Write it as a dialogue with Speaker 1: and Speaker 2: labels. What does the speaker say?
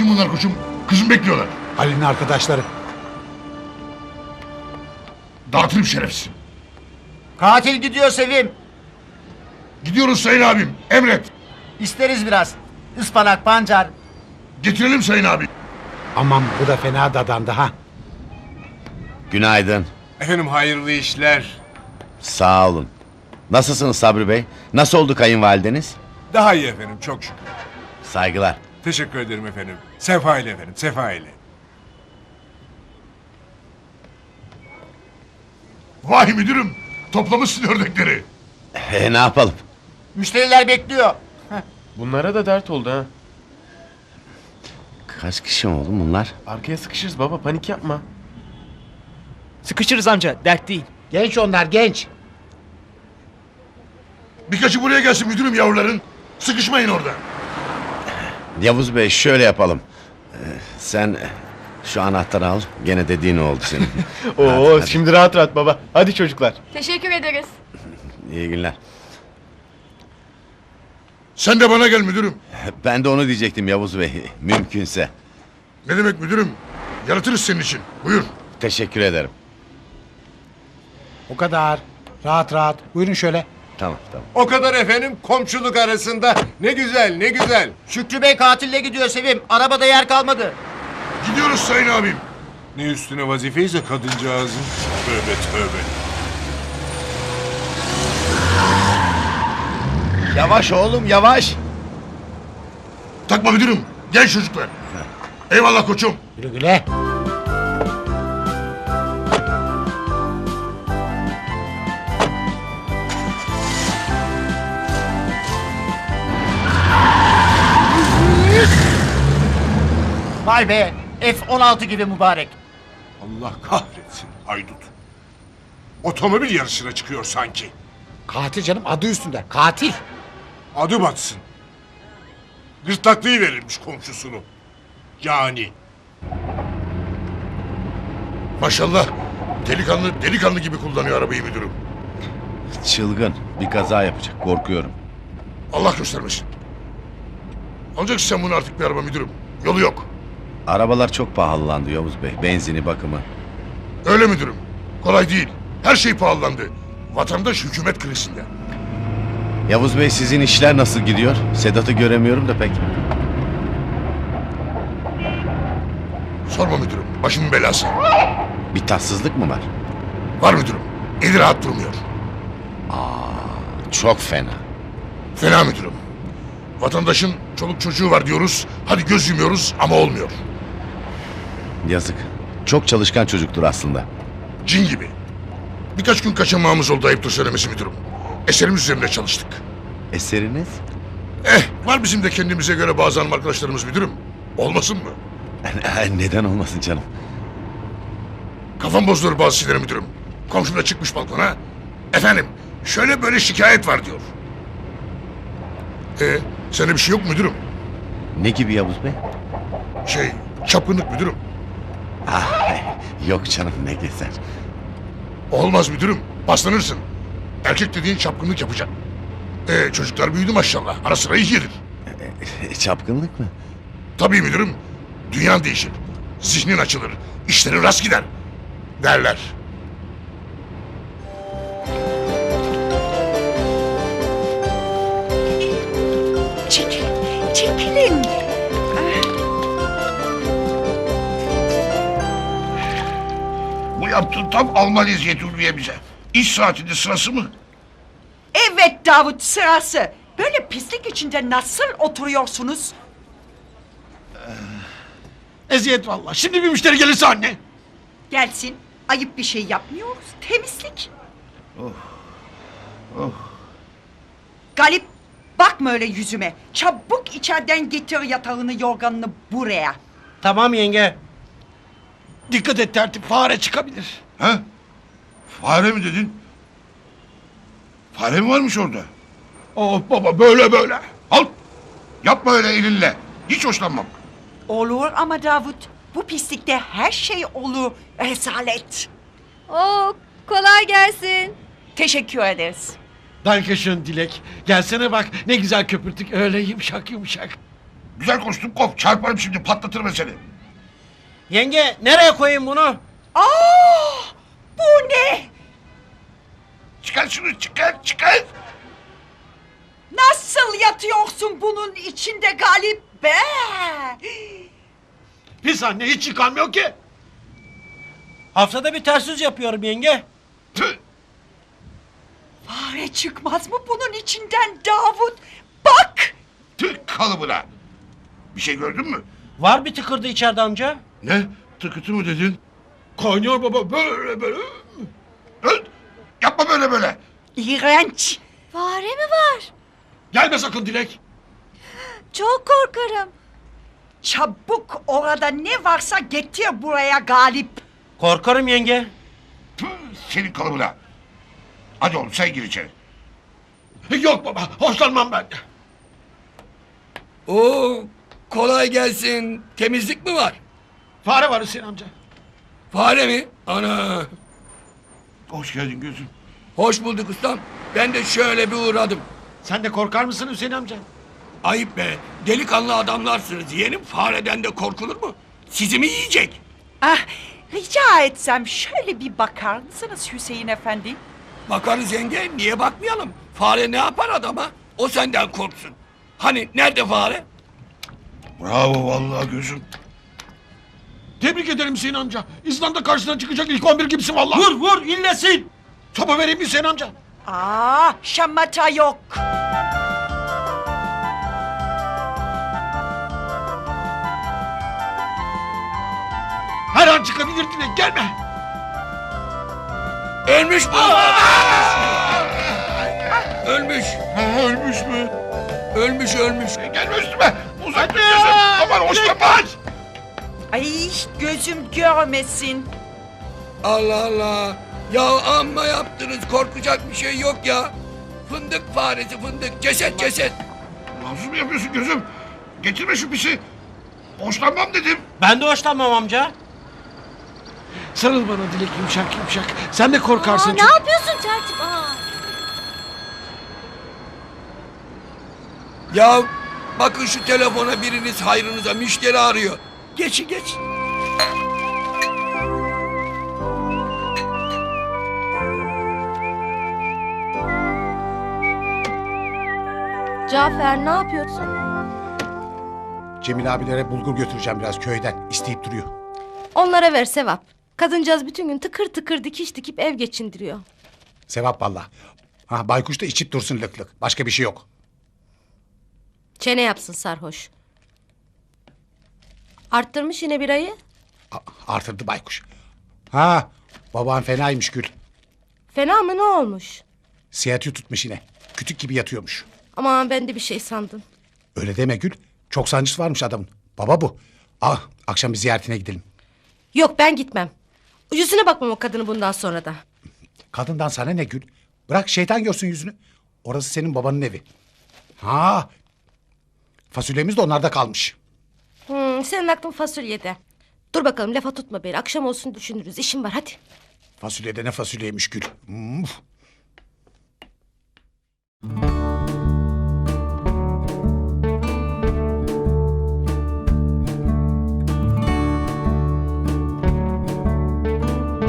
Speaker 1: bunlar koçum? Kızım bekliyorlar.
Speaker 2: Ali'nin arkadaşları.
Speaker 1: Dağıtırım şerefsiz.
Speaker 3: Katil gidiyor Sevim.
Speaker 1: Gidiyoruz sayın abim. Emret.
Speaker 3: İsteriz biraz. Ispanak, pancar.
Speaker 1: Getirelim sayın abi.
Speaker 2: Aman bu da fena dadandı ha.
Speaker 4: Günaydın.
Speaker 5: Efendim hayırlı işler.
Speaker 4: Sağ olun. Nasılsınız Sabri Bey? Nasıl oldu kayınvalideniz?
Speaker 5: Daha iyi efendim çok şükür.
Speaker 4: Saygılar.
Speaker 5: Teşekkür ederim efendim. Sefa ile efendim sefa ile.
Speaker 1: Vay müdürüm. Toplamışsın ördekleri.
Speaker 4: Ne yapalım?
Speaker 3: Müşteriler bekliyor.
Speaker 6: Bunlara da dert oldu ha.
Speaker 4: Kaç kişi oldu bunlar?
Speaker 6: Arkaya sıkışırız baba, panik yapma.
Speaker 7: Sıkışırız amca, dert değil.
Speaker 2: Genç onlar genç.
Speaker 1: Birkaçı buraya gelsin müdürüm yavruların. Sıkışmayın orada.
Speaker 4: Yavuz Bey şöyle yapalım. Sen şu anahtarı al. Gene dediğin oldu senin.
Speaker 6: Oo,
Speaker 4: hadi.
Speaker 6: şimdi rahat rahat baba. Hadi çocuklar.
Speaker 8: Teşekkür ederiz.
Speaker 4: İyi günler.
Speaker 1: Sen de bana gel müdürüm.
Speaker 4: Ben de onu diyecektim Yavuz Bey. Mümkünse.
Speaker 1: Ne demek müdürüm? Yaratırız senin için. Buyur.
Speaker 4: Teşekkür ederim.
Speaker 2: O kadar. Rahat rahat. Buyurun şöyle.
Speaker 4: Tamam tamam.
Speaker 5: O kadar efendim komşuluk arasında. Ne güzel ne güzel.
Speaker 3: Şükrü Bey katille gidiyor Sevim. Arabada yer kalmadı.
Speaker 1: Gidiyoruz sayın abim.
Speaker 5: Ne üstüne vazifeyse kadıncağızın. Tövbe tövbe.
Speaker 4: Yavaş oğlum yavaş.
Speaker 1: Takma müdürüm. Gel çocuklar. Eyvallah koçum.
Speaker 2: Güle güle.
Speaker 3: Vay be. F-16 gibi mübarek.
Speaker 5: Allah kahretsin haydut. Otomobil yarışına çıkıyor sanki.
Speaker 2: Katil canım adı üstünde. Katil.
Speaker 5: Adı batsın. Gırtlaklığı verilmiş komşusunu. Yani.
Speaker 1: Maşallah. Delikanlı delikanlı gibi kullanıyor arabayı müdürüm.
Speaker 4: Çılgın. Bir kaza yapacak. Korkuyorum.
Speaker 1: Allah göstermesin. Alacaksın sen bunu artık bir araba müdürüm. Yolu yok.
Speaker 4: Arabalar çok pahalandı Yavuz Bey. Benzini bakımı.
Speaker 1: Öyle müdürüm. Kolay değil. Her şey pahalandı. Vatandaş hükümet krizinde.
Speaker 4: Yavuz Bey sizin işler nasıl gidiyor? Sedat'ı göremiyorum da pek.
Speaker 1: Sorma müdürüm. Başımın belası.
Speaker 4: Bir tatsızlık mı var?
Speaker 1: Var müdürüm. Eli rahat durmuyor.
Speaker 4: Çok fena.
Speaker 1: Fena müdürüm. Vatandaşın çoluk çocuğu var diyoruz. Hadi göz yumuyoruz ama olmuyor.
Speaker 4: Yazık. Çok çalışkan çocuktur aslında.
Speaker 1: Cin gibi. Birkaç gün kaçamağımız oldu ayıptır söylemesi müdürüm. Eserimiz üzerinde çalıştık.
Speaker 4: Eseriniz?
Speaker 1: Var bizim de kendimize göre bazı hanım arkadaşlarımız müdürüm. Olmasın mı?
Speaker 4: Neden olmasın canım?
Speaker 1: Kafam bozulur bazı şeylere müdürüm. Komşum da çıkmış balkona. Efendim şöyle böyle şikayet var diyor. Sende bir şey yok mu müdürüm?
Speaker 4: Ne gibi Yavuz Bey?
Speaker 1: Çapkınlık müdürüm.
Speaker 4: Yok canım ne gezer.
Speaker 1: Olmaz müdürüm. Paslanırsın. Erkek dediğin çapkınlık yapacak. Çocuklar büyüdü maşallah. Ara sıra iyi gelir.
Speaker 4: Çapkınlık mı?
Speaker 1: Tabii müdürüm. Dünyan değişir. Zihnin açılır. İşlerin rast gider. Derler.
Speaker 8: Çekilin.
Speaker 1: Bu yaptığın tam Alman eziyeti Ulviye bize. İş saatinde sırası mı?
Speaker 9: Evet Davut sırası. Böyle pislik içinde nasıl oturuyorsunuz?
Speaker 1: Eziyet vallahi. Şimdi bir müşteri gelirse anne.
Speaker 9: Gelsin. Ayıp bir şey yapmıyoruz. Temizlik. Galip bakma öyle yüzüme. Çabuk içeriden getir yatağını yorganını buraya.
Speaker 2: Tamam yenge.
Speaker 1: Dikkat et tertip. Fare çıkabilir. He? Fare mi dedin? Fare mi varmış orada? Oh baba böyle böyle. Al. Yapma öyle elinle. Hiç hoşlanmam.
Speaker 9: Olur ama Davut. Bu pislikte her şey olur. Rezalet.
Speaker 8: Oo, kolay gelsin.
Speaker 9: Teşekkür ederiz.
Speaker 10: Dankeschön Dilek. Gelsene bak ne güzel köpürtük öyle yumuşak yumuşak.
Speaker 1: Güzel konuştun kop. Çarparım şimdi patlatırım ben seni.
Speaker 2: Yenge nereye koyayım bunu?
Speaker 9: Bu ne?
Speaker 1: Çıkar şunu çıkar.
Speaker 9: Nasıl yatıyorsun bunun içinde Galip be?
Speaker 2: Pis anne hiç yıkanmıyor ki. Haftada bir ters yüz yapıyorum yenge.
Speaker 1: Tüh.
Speaker 9: Fare çıkmaz mı bunun içinden Davut? Bak!
Speaker 1: Tüh kalıbına. Bir şey gördün mü?
Speaker 2: Var bir tıkırdı içeride amca.
Speaker 1: Ne? Tıkıtı mı dedin?
Speaker 5: Kaynıyor baba böyle.
Speaker 1: Öl. Yapma böyle.
Speaker 9: İğrenç!
Speaker 8: Fare mi var?
Speaker 5: Gelme sakın Dilek.
Speaker 8: Çok korkarım.
Speaker 9: Çabuk orada ne varsa getir buraya Galip.
Speaker 2: Korkarım yenge.
Speaker 1: Tüh, senin kalıbına. Hadi oğlum sen gir içeri.
Speaker 5: Yok baba hoşlanmam ben.
Speaker 7: Oo, kolay gelsin. Temizlik mi var?
Speaker 5: Fare var Hüseyin amca.
Speaker 7: Fare mi? Ana.
Speaker 1: Hoş geldin gözüm.
Speaker 7: Hoş bulduk ustam. Ben de şöyle bir uğradım.
Speaker 5: Sen de korkar mısın Hüseyin amca?
Speaker 7: Ayıp be. Delikanlı adamlarsınız. Yeğenim fareden de korkulur mu? Sizi mi yiyecek?
Speaker 9: Ah, rica etsem şöyle bir bakar mısınız Hüseyin Efendi?
Speaker 7: Bakarız yenge. Niye bakmayalım? Fare ne yapar adama? O senden korksun. Hani nerede fare?
Speaker 1: Bravo vallahi gözüm.
Speaker 5: Tebrik ederim Hüseyin amca. İzlanda karşısına çıkacak ilk 11 gibisin vallahi.
Speaker 2: Vur illesin.
Speaker 5: Sopa vereyim mi Hüseyin amca?
Speaker 9: Şamata yok.
Speaker 5: Her an çıkabilir Dilek gelme.
Speaker 7: Ölmüş mü? Ölmüş.
Speaker 1: Ha, ölmüş mü?
Speaker 7: Ölmüş.
Speaker 1: Gelme üstüme. Uzak dur gözüm. Aman hoşlanma.
Speaker 9: Ay gözüm görmesin.
Speaker 7: Allah Allah. Ya amma yaptınız. Korkacak bir şey yok ya. Fındık faresi fındık. Ceset.
Speaker 1: Nasıl mı yapıyorsun gözüm? Getirme şu pisi. Hoşlanmam dedim.
Speaker 2: Ben de hoşlanmam amca.
Speaker 5: Sarıl bana Dilek yumuşak. Sen de korkarsın.
Speaker 8: Ne yapıyorsun tertip?
Speaker 7: Ya bakın şu telefona biriniz hayrınıza müşteri arıyor. Geç.
Speaker 8: Cafer ne yapıyorsun?
Speaker 2: Cemil abilere bulgur götüreceğim biraz köyden. İsteyip duruyor.
Speaker 8: Onlara ver sevap. Kadıncağız bütün gün tıkır tıkır dikiş dikip ev geçindiriyor.
Speaker 2: Sevap valla. Ha, baykuş da içip dursun lık lık. Başka bir şey yok.
Speaker 8: Çene yapsın sarhoş. Arttırmış yine birayı.
Speaker 2: Artırdı baykuş. Ha, baban fenaymış Gül.
Speaker 8: Fena mı ne olmuş?
Speaker 2: Siyatı tutmuş yine. Kütük gibi yatıyormuş.
Speaker 8: Aman ben de bir şey sandım.
Speaker 2: Öyle deme Gül. Çok sancısı varmış adamın. Baba bu. Akşam bir ziyaretine gidelim.
Speaker 8: Yok ben gitmem. Yüzüne bakmam o kadını bundan sonra da.
Speaker 2: Kadından sana ne Gül? Bırak şeytan görsün yüzünü. Orası senin babanın evi. Ha, fasulyemiz de onlarda kalmış.
Speaker 8: Senin aklın fasulyede. Dur bakalım lafa tutma beni. Akşam olsun düşünürüz. İşim var hadi.
Speaker 2: Fasulyede ne fasulyeymiş Gül.